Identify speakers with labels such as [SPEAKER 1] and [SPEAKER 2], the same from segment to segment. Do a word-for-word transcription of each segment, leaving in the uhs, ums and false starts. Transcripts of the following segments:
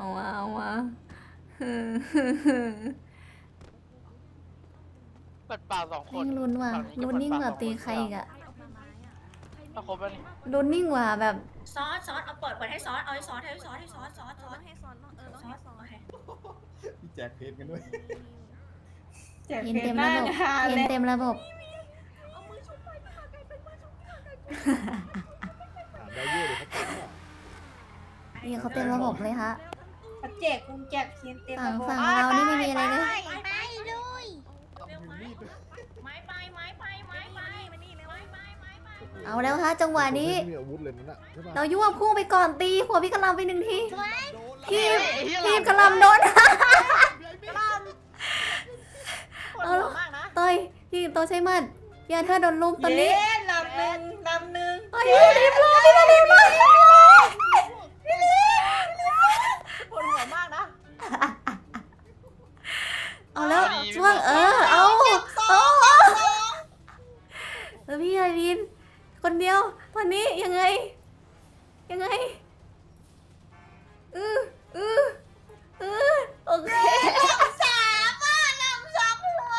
[SPEAKER 1] เอามาเอามา
[SPEAKER 2] เปิดป่าสองคน
[SPEAKER 1] ยิ่งลุ้นว่ะ
[SPEAKER 2] ฝั่
[SPEAKER 1] ลุ้นยิ่งกว่าตีใครอีกอะ
[SPEAKER 2] ถ้าครบแล้วนี่
[SPEAKER 1] ลุ้นยิ่งกว่าแบบ
[SPEAKER 3] ซอสซอสเอาเปิดเปิดให้ซอสเอาให้ซอสให้ซอสให้ซอสซอสซอส
[SPEAKER 4] ให้ซอนเออ
[SPEAKER 3] ซอสโอเค
[SPEAKER 5] พี่แจกเพจกันด้วย
[SPEAKER 3] แจก
[SPEAKER 1] เห็น
[SPEAKER 3] เพ
[SPEAKER 1] เต็
[SPEAKER 3] ช
[SPEAKER 1] ม
[SPEAKER 3] รห
[SPEAKER 1] ระ
[SPEAKER 3] น้า
[SPEAKER 1] บบ
[SPEAKER 3] งาน
[SPEAKER 1] เห็น
[SPEAKER 3] เลย
[SPEAKER 1] เต็มระบบ
[SPEAKER 4] เอามือชุบไปค่ะกลายเป็นมือชุบค่ะกลายเป็น
[SPEAKER 5] ถามได้เยอะเลยเขาเป็นอ่ะ
[SPEAKER 1] นี่เขาเต็มระบบเลยฮะ
[SPEAKER 3] แจกกุญแจกเทียนเต็ม
[SPEAKER 1] ฝั่ง
[SPEAKER 3] ระบบ
[SPEAKER 1] ฝั่งเรานี่ไม่มีอะไรเลย
[SPEAKER 3] ไปไปเลย
[SPEAKER 5] ต้องมีมีดด้วย
[SPEAKER 3] ไม้ไปไม้ไปไม้ไปมานี่เลยไม้ไปไม้ไป
[SPEAKER 1] เอาแล้วฮะจังหวะนี้
[SPEAKER 5] ไม่มีอาวุธเลยนั่นน่ะใช่ปะ
[SPEAKER 1] เรายั่วพุ่งไปก่อนตีหัวพี่กะลำไปหนึ่งที
[SPEAKER 5] โดนแล้ว
[SPEAKER 1] ทีม
[SPEAKER 2] ไอ้เหี้ย
[SPEAKER 1] ทีมกะลำโดน
[SPEAKER 3] ปวดหัวมากนะ
[SPEAKER 1] เต้ยพี่โตใช้มันพี่อาเธอร์โดนลุมตอนนี้
[SPEAKER 3] เย้ลำหนึ่งลำหนึ่ง
[SPEAKER 1] เฮ้ยรีบเลยพี่รีบเลย
[SPEAKER 3] ปวดหัวมากนะ
[SPEAKER 1] เอาแล้วช่วงเออเอาเอาแล้วพี่ไอรีนคนเดียวตอนนี้ยังไงยังไงอืออืออือโอเค
[SPEAKER 3] สามอ่ะลำสองหัว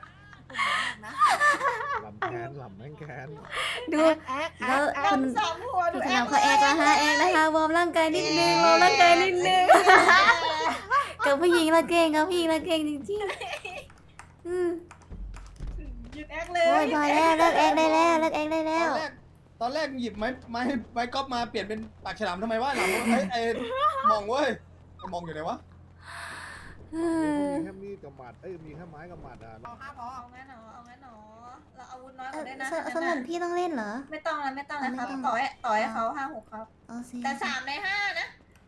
[SPEAKER 5] ลำแคนลำแม่งแคน
[SPEAKER 1] ดูแล้วคน
[SPEAKER 3] ลำสองหัว
[SPEAKER 1] พี่กำลังเขาแอกแล้วฮะแอกนะคะวอร์มร่างกายนิดนึงวอร์มร่างกายนิดนึงกับผู้หญิงละเก่งกับผู้หญิงละเก่งจริงๆอือ
[SPEAKER 3] หยุดแอกเล
[SPEAKER 1] โอ้ย
[SPEAKER 3] ย
[SPEAKER 1] พอแล้วเลิกแอกได้แล้วเลิกแอกได้
[SPEAKER 5] ต
[SPEAKER 1] แล้
[SPEAKER 5] อน
[SPEAKER 1] ว
[SPEAKER 5] แรกตอนแรกหยิบไม้ไม้ไม้ก๊อฟมาเปลี่ยนเป็นปากฉลามทำไมวะหลังไอ้ไอ้มองเว้ยไอ้มองอยู่ไหนวะ
[SPEAKER 1] อือ
[SPEAKER 6] มีแค่มีดกับหมัด เอ้ย มีแค่ไม้กับหมัดอ่ะ
[SPEAKER 3] เอาห้าพอเอางั้นเหรอเอางั้นเหรอเราอาวุธน้อยก
[SPEAKER 1] เอ่อ
[SPEAKER 3] ว่าได้นะ
[SPEAKER 1] สสนุนพี่ต้องเล่นเหรอ
[SPEAKER 3] ไม่ต้องแล้วไม่ต้องแล้วครับ
[SPEAKER 1] ไม่ต้อง
[SPEAKER 3] ต่อให้ต่อให้เขาห้าหกครับ
[SPEAKER 1] เอาสิ
[SPEAKER 3] แต่สามในห้านะ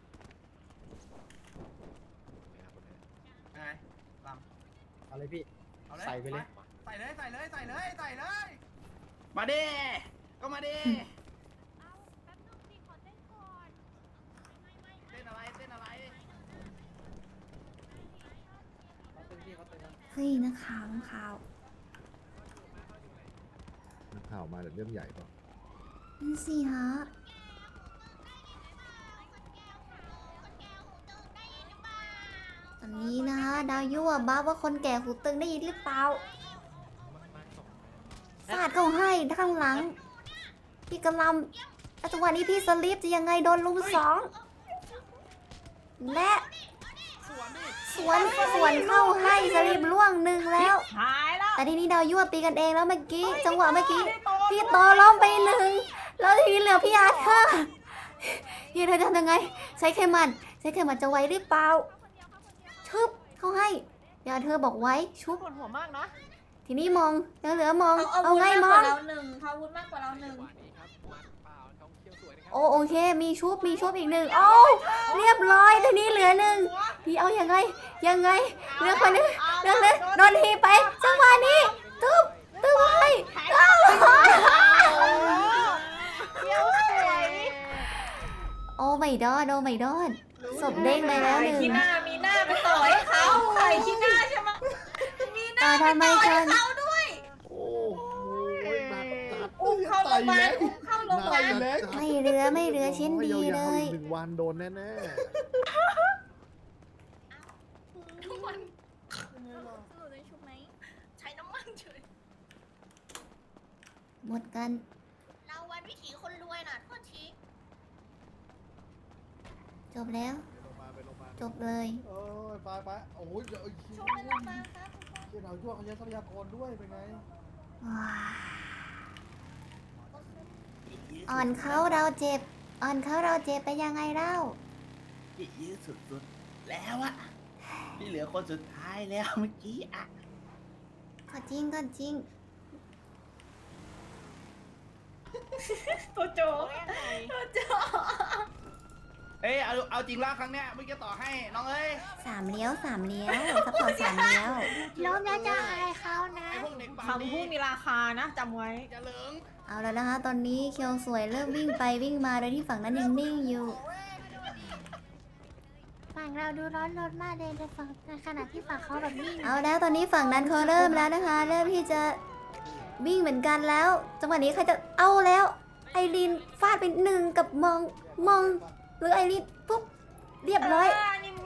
[SPEAKER 7] ไงล
[SPEAKER 5] เอาเลยพี่
[SPEAKER 7] ำเอาเลย
[SPEAKER 5] ใส่ไปเลย
[SPEAKER 7] ใส่เลยใส่เลยใส่เลยใส่เลย มาดิก็มาดิเต้นอะไรเต้นอะไร
[SPEAKER 1] เฮ้ยนักข่าวนักข่าว
[SPEAKER 6] นักข่าวมาแต่เรื่องใหญ่ป่ะ
[SPEAKER 1] นั่นสิฮะอันนี้นะฮะดาวยั่วบ้าว่าคนแก่หูตึงได้ยินหรือเปล่าฟาดเข้าให้ข้างหลัง พี่กำลังจังหวะนี้พี่สลิปจะยังไงโดนลุมสองและสวนสวนเข้าให้สลิปล่วงหนึ่งแล้ว
[SPEAKER 3] หายแล้ว
[SPEAKER 1] แต่ทีนี้ดาวยั่วตีกันเองแล้วเมื่อกี้ จังหวะเมื่อกี้ พี่โตล้มไปหนึ่งแล้วทีนี้เหลือพี่อาเธอร์พี่อาเธอร์จะทำยังไง ใช้เข็มมันใช้เข็มมันจะไว้หรือเปล่าชุบเขาให้พี่อาเธอร์บอกไว้ชุบ
[SPEAKER 3] ปวดหัวมากนะ
[SPEAKER 1] ทีนี้มองยังเหลือมอง
[SPEAKER 3] เอา
[SPEAKER 1] เอา
[SPEAKER 3] วุธ
[SPEAKER 1] ไง
[SPEAKER 3] มาก
[SPEAKER 1] ม
[SPEAKER 3] ก
[SPEAKER 1] อ
[SPEAKER 3] ว่าง เราหนึ่งเขาอาวุธมากกว่าเราหนึ่ง
[SPEAKER 1] โอ้โอเค มีชุบมีชุบอีกหนึ่งโอ้เรียบร้อยทีนี้เหลือหนึ่งพี่เอายังไงยังไงเหลือคนหนึงเหลือเลยโดนทีไปจังหวะนี้ตึ๊บตึ๊บให้อ้าว
[SPEAKER 3] เดี๋ยวสวย
[SPEAKER 1] โอ้ไม่ดอดโอ้ไม่ดอดศพเด้งไปแล้วหนึ่ง
[SPEAKER 3] ขี้หน้ามีหน้าไปต่อให้เขาใครขี้หน้าใช่ไหมมีหน้า
[SPEAKER 1] อ่า
[SPEAKER 3] ไป
[SPEAKER 1] ทำไม
[SPEAKER 3] ต่อ
[SPEAKER 1] กั
[SPEAKER 3] ให้
[SPEAKER 1] น
[SPEAKER 3] เขาด้วย
[SPEAKER 5] โอ้โหมาจัด
[SPEAKER 3] อุ้มเข้าโรงพยาบาลอุ้มเข้าโรงพยาบาล
[SPEAKER 5] เล็ก
[SPEAKER 1] ไม่เหลือไม่เหลือชิ้นดีเลย
[SPEAKER 6] หนึ่งวันโดนแน่
[SPEAKER 3] ทุกคน
[SPEAKER 4] สนุนได้ชุบไหม
[SPEAKER 3] ใช้น้ำมันเฉย
[SPEAKER 1] หมดกัน
[SPEAKER 3] เราวันวิถีคนรวยน่ะโทษที
[SPEAKER 1] จบแล้ว จบเลย
[SPEAKER 5] เออไปไปโอ้ยเดี๋ยว
[SPEAKER 3] ช่วยลงมาครับ
[SPEAKER 5] เดี๋ยวเรายั่วเขาใช้ทรัพยากรด้วยเป็นไง
[SPEAKER 1] ว้าอ่อนเขาเราเจ็บ อ่อนเขาเราเจ็บไปยังไงเล่า
[SPEAKER 7] พี่ยืดสุดๆแล้วอะพี่เหลือคนสุดท้ายแล้วเมื่อกี้อะ
[SPEAKER 1] ก็จริงก็จริง
[SPEAKER 3] ตัวโจตัวโจ
[SPEAKER 7] เอ้ยเอาเอาจริงแล้วครั้งเนี้ยเมื่อกี้ต่อให้น้องเอ้ย
[SPEAKER 1] สามเลี้ยวสามเลี้ยวซัพพอร์ตสามเลี้ยว
[SPEAKER 4] ล้มแล้วจะอายเขานะ
[SPEAKER 7] ไอ้พวกเด็กปาก
[SPEAKER 3] คำพูดมีราคานะจำไว้
[SPEAKER 7] อย่าเหลิง
[SPEAKER 1] เอาแล้วนะคะ ตอนนี้เคียวสวยเริ่มวิ่งไปวิ่งมาโดยที่ฝั่งนั้นยังนิ่งอยู่
[SPEAKER 4] ฝั่งเราดูร้อนรนมากเลยในฝั่งในขณะที่ฝั่งเขาแบบนิ่ง
[SPEAKER 1] เอาแล้วตอนนี้ฝั่งนั้นเขาเริ่มแล้วนะคะ เริ่มที่จะวิ่งเหมือนกันแล้ว จังหวะนี้ใครจะเอาแล้ว ไอรีนฟาดไปหนึ่งกับมองมองหรือไอรีนปุ๊บเรียบร้อย
[SPEAKER 3] นี่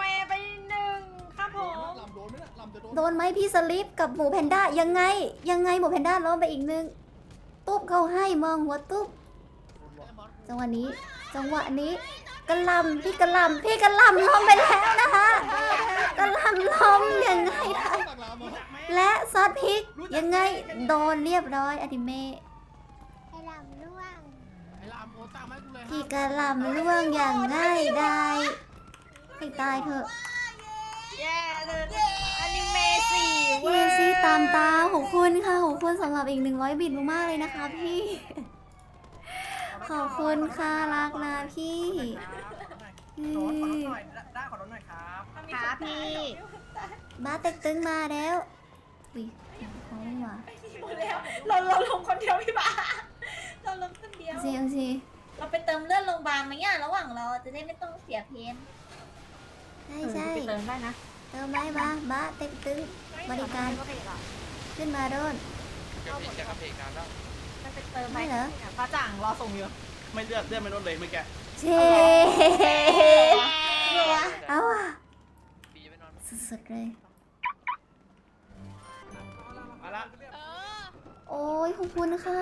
[SPEAKER 1] โดนไหมพี่สลิปกับหมูแพนด้ายังไงยังไงหมูแพนด้าล้มไปอีกนึงตุ๊บเขาให้มองหัวตุ๊บจังหวะนี้จังหวะนี้กระหลำพี่กระหลำพี่กระหลำล้มไปแล้วนะคะกระหลำล้มยังไงคะและซอสพริกยังไงโดนเรียบร้อยอดิเมะ
[SPEAKER 4] ให้ลำล่วง
[SPEAKER 1] พี่กระหลำล่วงอย่างง่ายได้ให้ตายเถอะ
[SPEAKER 3] แย่เลยอนิเมะสี่
[SPEAKER 1] พี่เอซี่ตามตาขอบคุณค่ะขอบคุณสำหรับอีกหนึ่งร้อยบิตมากๆเลยนะคะพี่ ขอบคุณค่ะรักนะพี่อืม
[SPEAKER 3] ครับพี่
[SPEAKER 1] บ้าเต็กตึงมาแล้วอุ้ยเขาไม่มา
[SPEAKER 3] เราเราลงคนเดียวพี่บ้าเราลงคนเดียว
[SPEAKER 1] เอาสิเอาสิ
[SPEAKER 3] เราไปเติมเลือดโรงพยาบาลไหมอ่ะระหว่างเราจะได้ไม่ต้องเสียเพน
[SPEAKER 1] ใช่ใช่
[SPEAKER 3] ไปเติมได้นะ
[SPEAKER 1] เติมได้บ้าบ้าเต็กตึงบริการขึ้นมาโดน
[SPEAKER 2] เดี๋ยวพี่จะกระเพกนานแล้ว
[SPEAKER 3] ไปเติมไหม
[SPEAKER 1] ไม่เหรอ
[SPEAKER 3] ป้าจ่างรอส่งอยู่
[SPEAKER 7] ไม่เลือดเลือดไม่ลดเลยเมื่อกี้
[SPEAKER 1] เช่เอาอ่ะ
[SPEAKER 2] ปีจะไปนอน
[SPEAKER 1] สุดๆเลย
[SPEAKER 7] มาละ
[SPEAKER 1] โอ้ยขอบคุณค่ะ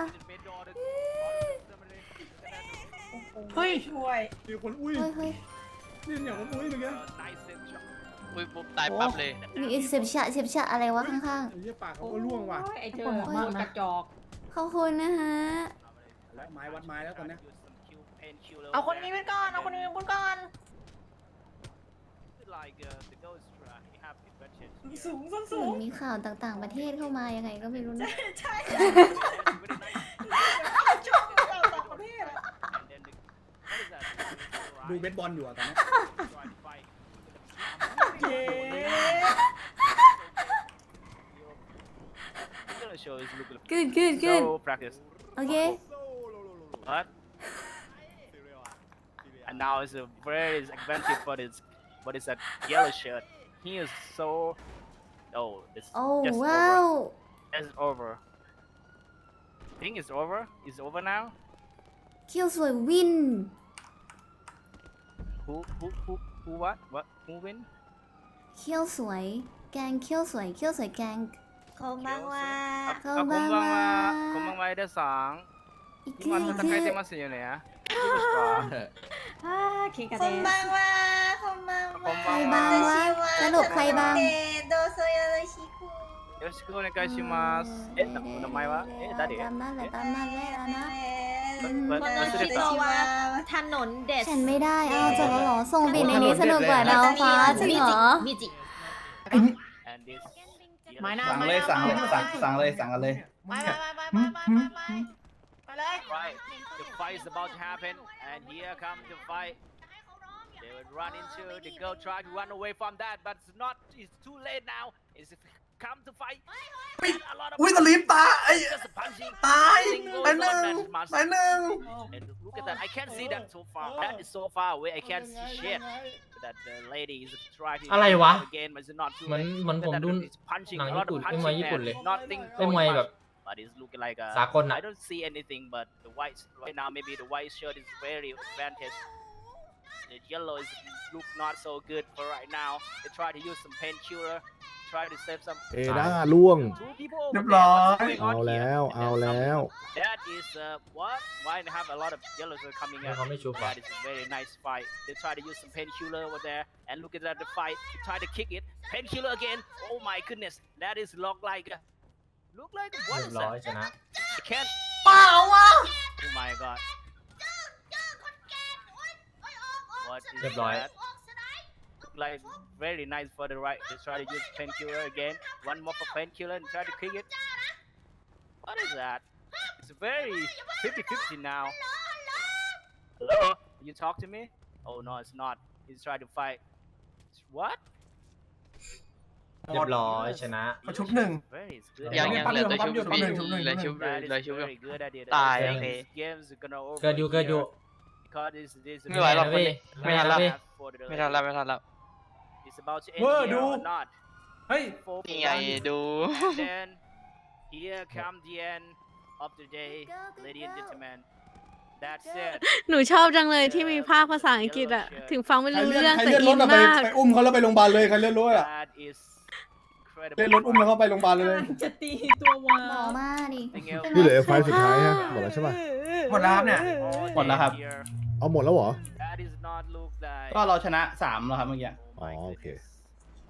[SPEAKER 3] เฮ้ยช่วย
[SPEAKER 5] มีคนอุ้ย
[SPEAKER 1] เฮ้ยเฮ้ย
[SPEAKER 5] นี่อย่างผมอุ้ยเมื่อกี้
[SPEAKER 2] อุ้ยปุ๊บตายปั๊บเลย
[SPEAKER 1] มีเสียบฉะเสียบฉะอะไรวะข้าง
[SPEAKER 5] ไอ้เหี้ยปากเขาก็ร่วงว่ะ
[SPEAKER 3] ไอ้เธอมากกระจอก
[SPEAKER 1] ๆขอบคุณนะฮะ
[SPEAKER 5] แล้วไม้วัดไม้แล้วตอนเนี้ย
[SPEAKER 3] เอาคนนี้ไปก่อนเอาคนนี้ไปก่อนสูงส้น
[SPEAKER 1] เห
[SPEAKER 3] สู
[SPEAKER 1] มือง นมีข่าวต่างๆประเทศเข้ามายังไงก็ไม่รู้นะ
[SPEAKER 3] ใช่ชอบเราต่างประเทศ
[SPEAKER 5] ดูเบสบอลอยู่อะตอนเนี้ย
[SPEAKER 3] เย้
[SPEAKER 1] good good good
[SPEAKER 8] So practice.
[SPEAKER 1] โอเค
[SPEAKER 8] What? And now it's a very expensive for this, but it's a yellow shirt. He is so. Oh, it's
[SPEAKER 1] โอ้
[SPEAKER 8] just
[SPEAKER 1] ว้าว
[SPEAKER 8] over. It's over. Think it's over? It's over now.
[SPEAKER 1] เคียวสวยวิน
[SPEAKER 8] Who who who who what what who win?
[SPEAKER 1] เคียวสวย แกงเคียวสวยเคียวสวยแกง
[SPEAKER 3] โคบังว่า
[SPEAKER 8] あ、
[SPEAKER 1] こんばんは
[SPEAKER 8] こんばんは、エレさん。
[SPEAKER 1] อีกที
[SPEAKER 8] 今
[SPEAKER 1] อีก
[SPEAKER 8] 戦
[SPEAKER 1] ที
[SPEAKER 8] えてますよね。いいですか？
[SPEAKER 3] โคบังว่าโคบังว่า
[SPEAKER 1] ใครบ้างวะสรุปใครบ้าง
[SPEAKER 3] โดโซยาโรชิคุ
[SPEAKER 8] よろしくお願いします。え、なお名前は？え、誰？
[SPEAKER 1] ตามนั้นแหละตามนั้นแหละนะ
[SPEAKER 8] わ忘れた。
[SPEAKER 3] ว่าถนนเด็ด
[SPEAKER 1] ฉันไม่ได้เอาจบแล้วเหรอส่งบินในนี้สนุกกว่าดาวฟ้าจริงเหรอ
[SPEAKER 3] มิจิ
[SPEAKER 8] And this.
[SPEAKER 3] ไม้หน้า
[SPEAKER 7] สั่งเลยสั่งเลยสั่งสั่งเลยสั่งกันเลย
[SPEAKER 3] ไปไปไปไปไปไปไปไปเลย
[SPEAKER 8] Right, the fight is about to happen, and here comes the fight. They will run into the girl, try to run away from that, but it's not. It's too late now. It's come to fight. A lot of
[SPEAKER 7] อุ้ยสลิปตาไอ้
[SPEAKER 8] just a punching.
[SPEAKER 7] ตาย
[SPEAKER 8] Single
[SPEAKER 7] ไปหนึ่ง
[SPEAKER 8] shot match.
[SPEAKER 7] ไปหนึ่ง
[SPEAKER 8] And look at that. I can't see that so far. That is so far away. I can't see shit. That the lady is trying to
[SPEAKER 9] อะไรวะ
[SPEAKER 8] again, but it's not too
[SPEAKER 9] เหมือน
[SPEAKER 8] late.
[SPEAKER 9] เหมือนผม
[SPEAKER 8] That
[SPEAKER 9] ดู
[SPEAKER 8] is punching
[SPEAKER 9] หนัง
[SPEAKER 8] a
[SPEAKER 9] ญี่
[SPEAKER 8] lot
[SPEAKER 9] ปุ่
[SPEAKER 8] of
[SPEAKER 9] นเล่นมวย
[SPEAKER 8] punching
[SPEAKER 9] ญี่ปุ่น
[SPEAKER 8] and
[SPEAKER 9] เลย
[SPEAKER 8] nothing
[SPEAKER 9] เล่นมวย
[SPEAKER 8] throwing
[SPEAKER 9] แบบ
[SPEAKER 8] much. But it's looking like a.
[SPEAKER 9] สากลอะ
[SPEAKER 8] I don't see anything, but the white right now. Maybe the white shirt is very advantage. The yellow is look not so good for right now. They try to use some painkiller, try to save some.
[SPEAKER 6] เอด้าล่วง
[SPEAKER 8] Two people
[SPEAKER 7] เรี
[SPEAKER 8] over
[SPEAKER 7] ยบ
[SPEAKER 8] there.
[SPEAKER 7] ร้อย
[SPEAKER 8] What's going
[SPEAKER 6] เอา
[SPEAKER 8] on
[SPEAKER 6] แล้
[SPEAKER 8] here?
[SPEAKER 6] ว
[SPEAKER 8] And
[SPEAKER 6] เอา
[SPEAKER 8] then
[SPEAKER 6] แล้ว
[SPEAKER 8] some- That is uh, what? Why they have a lot of yellows are coming
[SPEAKER 9] แล้ว
[SPEAKER 8] out?
[SPEAKER 9] เขาไม่ชุบอ่ะ
[SPEAKER 8] That is a very nice fight. They try to use some painkiller over there, and look at that the fight. They try to kick it. Painkiller again. Oh my goodness, that is look like. a- Look like what
[SPEAKER 9] เรีย
[SPEAKER 8] is
[SPEAKER 9] บร้อย
[SPEAKER 8] that?
[SPEAKER 9] ชนะ
[SPEAKER 8] I can't.
[SPEAKER 3] เปล่าวะ
[SPEAKER 8] Oh my god. What is
[SPEAKER 9] เรียบร้อย
[SPEAKER 8] that? Like very nice for the right. They try to use painkiller again. One more for painkiller and try to kick it. What is that? It's very fifty fifty now. Hello? You talk to me? Oh no, it's not. He's trying to fight. What?
[SPEAKER 9] เรียบร้อยชนะ
[SPEAKER 7] เขาชุบหนึ่ง
[SPEAKER 8] Very good.
[SPEAKER 2] ยังยังเหลือแต่ชุบ
[SPEAKER 7] ปั๊มอยู่ปั๊มอยู่
[SPEAKER 2] เหลือชุบ
[SPEAKER 8] That
[SPEAKER 2] เหลือ
[SPEAKER 8] is
[SPEAKER 2] ชุบ
[SPEAKER 8] very good idea.
[SPEAKER 2] ตาย
[SPEAKER 8] That
[SPEAKER 2] โอเค
[SPEAKER 8] this games is gonna over
[SPEAKER 9] เกิดอยู่เกิดอยู่
[SPEAKER 8] because this this
[SPEAKER 2] ไม่ไหวหรอก
[SPEAKER 9] เว้ย
[SPEAKER 2] ไม่ทันแล้ว
[SPEAKER 9] เว้ย
[SPEAKER 8] for the
[SPEAKER 2] ไม่ทันแล้วไม่ทันแล้ว
[SPEAKER 8] It's about to end
[SPEAKER 7] เวอร์
[SPEAKER 8] here
[SPEAKER 7] ดู
[SPEAKER 8] or not.
[SPEAKER 7] เฮ้ย
[SPEAKER 8] Four
[SPEAKER 2] นี่ไง
[SPEAKER 8] one.
[SPEAKER 2] ดู
[SPEAKER 8] And then here come the end of the day, ladies and gentlemen. That's it.
[SPEAKER 10] หนูชอบจังเลยที่มีภาคภาษาอังกฤษอะถึงฟังไม่
[SPEAKER 5] ใคร
[SPEAKER 10] รู้
[SPEAKER 5] เลื่อน
[SPEAKER 10] เรื่อง
[SPEAKER 5] ใคร
[SPEAKER 10] แต่
[SPEAKER 5] เลื่อนร
[SPEAKER 10] อิ
[SPEAKER 5] ถ
[SPEAKER 10] น
[SPEAKER 5] อะไป
[SPEAKER 10] มาก
[SPEAKER 5] ไปอุ้มเขาแล้วไปโรงพยาบาลเลยใครเลื่อนรถอะ
[SPEAKER 8] That is
[SPEAKER 5] เล่นรถอุ้มแล้วเข้าไปโรงพยาบาลเลย
[SPEAKER 3] จะตีตัววา
[SPEAKER 1] หมอมาดิ
[SPEAKER 6] นี่เหลือไฟล์สุดท้ายฮะหมดแล้วใช่ป่ะ
[SPEAKER 7] หมดแล้วครับเนี่ย หมดแล้วครับ
[SPEAKER 6] เอาหมดแล้วเหรอ
[SPEAKER 8] That is not look like
[SPEAKER 7] ก็เราชนะสามแล้วครับเมื่อกี้
[SPEAKER 6] อ๋อโอเค
[SPEAKER 8] goodness.